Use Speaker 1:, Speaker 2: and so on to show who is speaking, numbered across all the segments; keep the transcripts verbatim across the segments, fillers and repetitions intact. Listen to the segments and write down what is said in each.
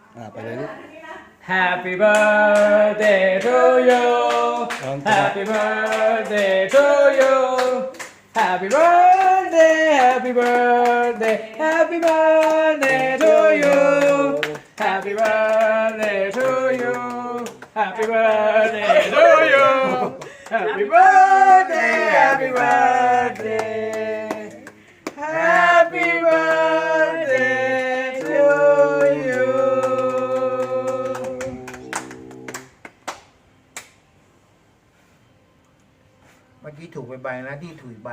Speaker 1: อ่าไปเลยลูก
Speaker 2: Happy birthday to you Happy birthday to you Happy birthday Happy birthday Happy birthday to you Happy birthday to you Happy birthday to you Happy birthday Happy birthday Happy birthday to you
Speaker 3: เมื่อกี้ถูกไปใบนะที่ถูกใบ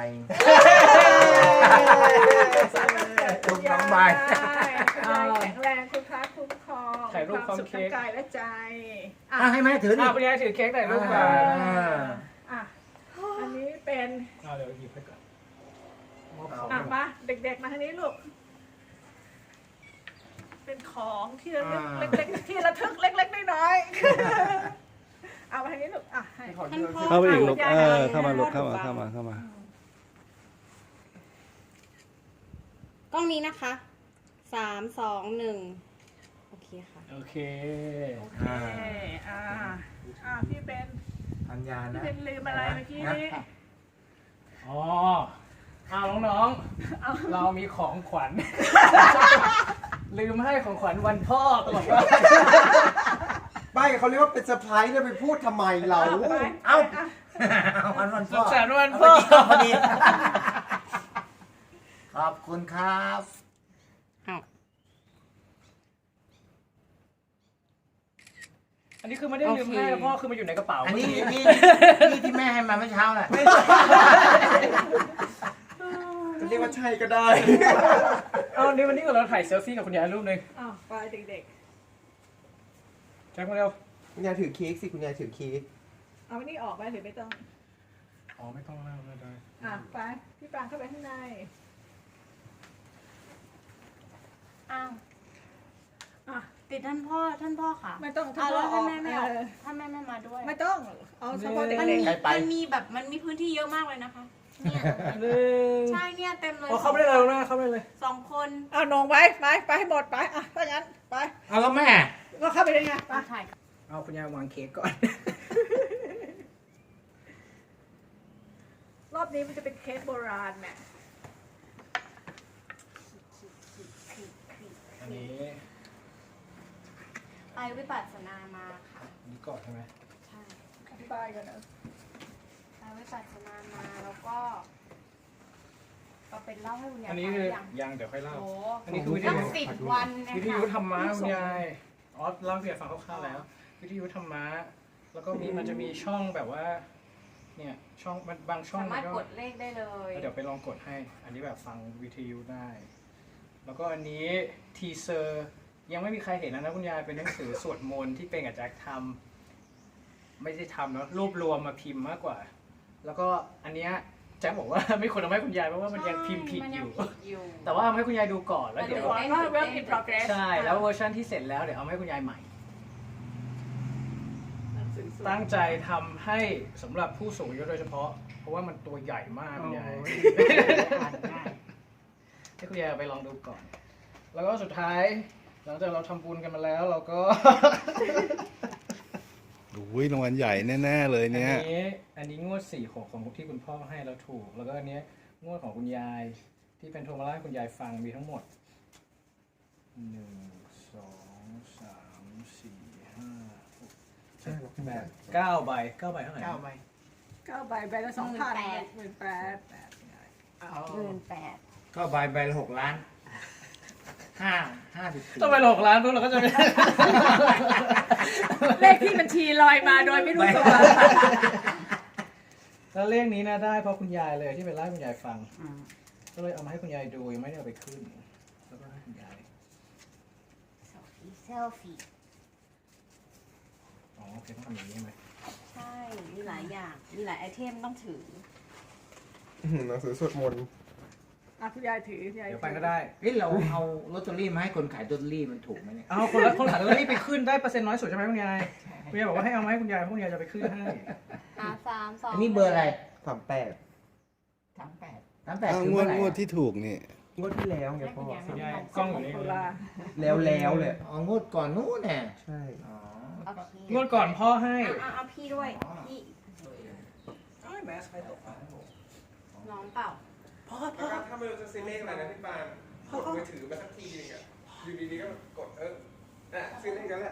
Speaker 3: ถูกสองใบ
Speaker 4: แข็งแรงคุณพระคุ้มครอง
Speaker 2: ถ่ายรูป
Speaker 4: ความสุข
Speaker 2: พร้อมเค้
Speaker 4: ทาง
Speaker 2: ก
Speaker 4: กายและใจ
Speaker 3: อ่ะให้แม่ถือดิ
Speaker 2: อ่ะคุณยายถือเค้กหน่อยลูกมา
Speaker 3: อ่า
Speaker 4: อ่ะอันนี้เป็น
Speaker 2: เอาเดี๋ยวหยิบให้ก่อนมอบข
Speaker 3: เอา
Speaker 2: อง
Speaker 4: อ่ะมาเด็กๆมาทางนี้ลูก เป็นของที่ระลึกเล็กๆที่ระทึกเล็กๆน้อยๆเอามาทางนี้ลูกอ่ะให้
Speaker 5: ท่านพ่อ
Speaker 1: เข้าไปอีกลูก
Speaker 4: ค่ะ
Speaker 1: เออเข้ามาลูกเข้ามาเข้ามาเข้ามา
Speaker 5: กล้องนี้นะคะสามสองหนึ่งโอเคค่ะ
Speaker 2: โอเค
Speaker 4: โอเคอ่าอ่าพี่เป็น
Speaker 3: อัญญา
Speaker 4: พี่
Speaker 3: นะ
Speaker 4: เป็นลืมอะไรเมื่อกี้นี้
Speaker 2: อ๋อเอาน้องๆ เรามีของขวัญ ลืมให้ของขวัญวันพ่อตลอดว่า
Speaker 6: ไม่เขาเรียกว่าเป็นเซอร์ไพรส์แล้วไปพูดทำไมเรา
Speaker 4: เอาไป
Speaker 3: เอ้า
Speaker 4: อ่ะ
Speaker 3: เอาวันวัน
Speaker 2: สุ
Speaker 3: พ่อ
Speaker 2: ขสันต์วัน
Speaker 3: เอา
Speaker 2: พ่
Speaker 3: ไป
Speaker 2: อ
Speaker 3: กินข้าวพอดีขอบคุณครับ
Speaker 5: อ้าว
Speaker 2: อันนี้คือไม่ได้ลืมให้นะพ่อคือมันอยู่ในกระเป๋า
Speaker 3: อันนี้
Speaker 2: เมื่กี้
Speaker 3: นี่นี่ที่แม่ให้มาเมื่อเช้าแหละ
Speaker 6: จะเรียกว่าใช่ก็ได้
Speaker 2: เอาอันนี้วันนี้เราถ่ายเซลฟี่กับคุณยายรูปหนึ่ง
Speaker 4: อ้าวไปเด็ก
Speaker 2: แจ็คมาเร็ว
Speaker 6: คุณยายถือเค้กสิคุณยายถือเค้ก
Speaker 4: ๆ เอาอันนี้ออกไปหรือไม่ต้อง
Speaker 2: อ๋อไม่ต้องแล้วไม่ได้
Speaker 4: อ่ะไปพี่ปรางเข้าไปข้างใน
Speaker 5: อ้าว
Speaker 4: อ่ะ
Speaker 5: ติดท่านพ่อท่านพ่อค่ะ
Speaker 4: ไม่ต้อง
Speaker 5: อ่ะแล้ว
Speaker 4: ท่า
Speaker 5: ท่าน
Speaker 4: นพ่
Speaker 5: แม่
Speaker 4: อออก
Speaker 5: ไม่เอา
Speaker 4: เออ
Speaker 5: ท่านแม่ไม่มาด้วย
Speaker 4: ไม่ต้องเอาเฉพาะเด็
Speaker 5: มัน
Speaker 4: ก
Speaker 5: มี
Speaker 3: ใครไป
Speaker 5: มันมีแบบมันมีพื้นที่เยอะมากเลยนะคะ เนี่ย
Speaker 2: หนึ่ง
Speaker 5: ใช่เนี่ยเต็มเลย
Speaker 2: อ๋อเข้าไม่ได้เลยนะเข้าไม่ได้เลย
Speaker 5: สองคน
Speaker 4: ๆเอานงไปไปไปให้หมดไปอ่ะถ้างั้นไป
Speaker 3: เอาแล้วแม่
Speaker 4: ก็เข้าไปได้ไงไป
Speaker 5: มาถ่าย
Speaker 2: เอาคุณยายวางเค้กก่อน
Speaker 4: รอบนี้มันจะเป็นเค้กโบราณแม่
Speaker 2: อันนี้
Speaker 5: ไปวิปัสสนามาค่ะ
Speaker 2: อันนี้ก่อนใช่ไหม
Speaker 5: ใช่
Speaker 4: อธิบายกันนะ
Speaker 5: ไปวิปัสสนามาแล้วก็ก็เป็นเล่าให้คุณยาย
Speaker 2: อันนี้
Speaker 5: ฟัง
Speaker 2: คือ
Speaker 5: ยัง
Speaker 2: ยังเดี๋ยวค่อยเล่า
Speaker 5: โอ้
Speaker 2: อันนี้คือวิท
Speaker 5: ตั้ง
Speaker 2: ยุ
Speaker 5: สิบวันเน
Speaker 2: วิท
Speaker 5: ย
Speaker 2: ยุ
Speaker 5: ค่ะ
Speaker 2: ธรรมะคุณยายอ๋อเล่าให้คุณยายฟังคร่าวๆแล้ว วิทยุธรรมะแล้วก็มีมันจะมีช่องแบบว่า เนี่ยช่องมันบางช่อง
Speaker 5: สา
Speaker 2: มั
Speaker 5: มารถ
Speaker 2: นก็
Speaker 5: กดเลขได้เลย
Speaker 2: เดี๋ยวไปลองกดให้ อันนี้แบบฟังวิทยุได้ แล้วก็อันนี้ทีเซอร์ยังไม่มีใครเห็นนะนะคุณยายเป็นหนังสือสวดมนต์ที่เป็นกับแจ็คทำไม่ได้ทำเนาะรวบรวมมาพิมพ์มากกว่า แล้วก็อันเนี้ยแจ็คบอกว่า ไม่ควรเอาให้คุณยายเพราะว่ามันยังพิมพ์ผิด
Speaker 5: มัน
Speaker 2: อ
Speaker 5: ยัง
Speaker 2: ยู่
Speaker 5: ผิดอยู่
Speaker 2: แต่ว่าเอาให้คุณยายดูก่อนแล้วเดี๋ยว
Speaker 4: ก่อนว่า work in progress
Speaker 2: ใช่แล้วเวอร์ชันที่เสร็จแล้วเดี๋ยวเอามาให้คุณยายใหม่
Speaker 4: หนังสือสวด
Speaker 2: ตั้งใจทำให้สำหรับผู้สูงอายุโดยเฉพาะ เพราะว่ามันตัวใหญ่มากคุณยาย
Speaker 3: อ่านง่าย
Speaker 2: ให้คุณยายเอาไปลองดูก่อน แล้วก็สุดท้าย หลังจากเราทำบุญกันมาแล้วเราก็
Speaker 1: อุ้ยรางวัลใหญ่แน่ๆเลย
Speaker 2: อัน
Speaker 1: เนี่ย
Speaker 2: นี้อันนี้งวดสี่หกของที่คุณพ่อให้เราถูก แล้วก็อันเนี้ยงวดของคุณยายที่เป็นโทรมาเล่าให้คุณยายฟังมีทั้งหมดหนึ่งสองสามสี่ห้าหก
Speaker 6: ใช่หรอ
Speaker 2: แปดเก้าใบเก้าใบเท่าไหร่
Speaker 3: เก้าใบ
Speaker 4: เก้าใบใบละสองพันหมื่นแปดแปดเอา
Speaker 5: หมื่นแปด
Speaker 3: ก็ใบใบละหกล้านห้าห้าสิบสี่
Speaker 2: ต้องไปหลอกร้านพวกเราก็จะไม่
Speaker 4: เลขที่บัญชีลอยมาโดยไม่รู้ตัว
Speaker 2: แล้วเลขนี้นะได้เพราะคุณยายเลยที่ไปเล่าให้คุณยายฟัง ก็เลยเอามาให้คุณยายดูยังไม่ได้เอาไปขึ้น แล้วก็ให้คุณยาย
Speaker 5: เซลฟี่เซลฟี่
Speaker 2: อ๋อโอเคต้องทำอย่างนี้ใช่ไหม
Speaker 5: ใช่ มีหลายอย่าง มีหลายไอเทมต้องถือ
Speaker 6: อื้อหือหนังสือสวดมนต์
Speaker 4: อ่ะคุณยายถือคุณยาย
Speaker 2: เดี๋ยว
Speaker 4: ถื
Speaker 2: ไปก็ได้
Speaker 3: เฮ้ยเราเอาลอตเตอรี่มาให้คนขายลอตเตอรี่มันถูกไหมเนี่ย
Speaker 2: เอาคนละคนขายลอตเตอรี่ไปขึ้นได้เปอร์เซ็นต์น้อยสุดใช่ไหมคุณยาย คุณยายบอกว่าให้เอามาให้คุณยายเพราะคุณยายจะไปขึ้นให้
Speaker 5: อ่ะสามสอง
Speaker 3: อันนี้เบอร์อะไร
Speaker 6: สามแปด
Speaker 3: สามแปดสามแปด
Speaker 1: อ้าว
Speaker 3: คือง
Speaker 1: ว
Speaker 3: เมื่
Speaker 1: ด
Speaker 3: อไหร่
Speaker 1: งวดที่ถูกนี่
Speaker 6: งวดที่แล้วไงพ่อ
Speaker 2: คุณยายกล้องอยู่นี่
Speaker 4: ตุลา
Speaker 6: แล้วแล้วเลย
Speaker 3: อ๋องวดก่อนนู้นน่ะ
Speaker 6: ใช่
Speaker 3: อ๋อ
Speaker 5: โอเค
Speaker 2: งวดก่อนพ่อให้
Speaker 5: เอาเอาพี่ด้วย พี่
Speaker 2: แมสใครตก
Speaker 5: น้องเปล่า
Speaker 7: แล้วก็ถ้าไม่รู้จะซื้อเลขอะไรนะพี่ปานกดมือถือมาสักทีนึงอ่ะ อยู่ดีๆก็กดเออน่ะซื้อเลขกันแหละ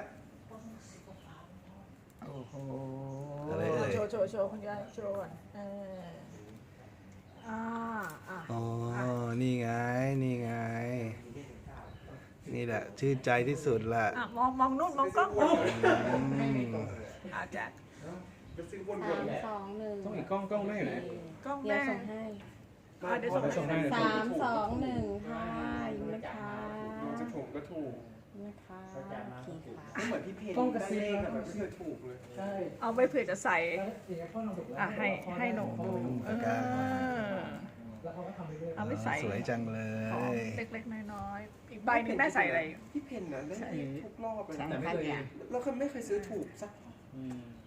Speaker 3: โอ้โห
Speaker 1: อะไรเอ่ย
Speaker 4: โชว์โชว์โชว์คุณยายโชว์ก่อนเอออ่าอ่ะ
Speaker 1: อ๋อ นี่ไง นี่ไง นี่แหละ ชื่นใจที่สุดละ
Speaker 4: อ่ะมองมองนู่นมองกล้อง
Speaker 1: อืม
Speaker 4: อาแจ็ค
Speaker 7: ก็ซื้อว
Speaker 5: สาน ม
Speaker 7: ๆ
Speaker 5: สองหนึ่ง
Speaker 2: ต้องอีกกล้องกล้องแม่อยู่ไหน
Speaker 4: กล้อง
Speaker 5: เดี๋ยว
Speaker 4: แม่
Speaker 5: ส่งให้
Speaker 4: อ่ะเดี๋ยวส่ง
Speaker 2: ส่งให้
Speaker 4: ให้
Speaker 5: สามสองหนึ่งค่ะยิ้มนะคะ
Speaker 7: จะถูกก็ถูก
Speaker 5: ยิ้มนะคะโอเคค่ะ
Speaker 7: ไม่เหมือนพี่เพน
Speaker 2: กล้องกระซิบ
Speaker 7: ได้เลขอะแบบไม่เคยถูกเลย
Speaker 2: ใช่
Speaker 4: เอาไปเผื่อจะใส่
Speaker 2: แล้วอย่างเงี้ยพ่อลองถูกแล้ว
Speaker 4: อ่ะให้ให้หนู
Speaker 1: ปากกา
Speaker 2: แล้วเขาก็ทำไปเรื่อย
Speaker 4: เอาไปใส่
Speaker 1: สวยจังเล
Speaker 4: ของ
Speaker 1: ย
Speaker 4: เล็กๆน้อยๆอีกใบหนึงแม่ใส่อะไร
Speaker 7: พี่เพนนะได้เลขทุกรอบเลย
Speaker 2: แต่
Speaker 7: นะ
Speaker 2: ไม่เคย
Speaker 7: แล้วก็ไม่เคยซื้อถูกสัก
Speaker 2: อืม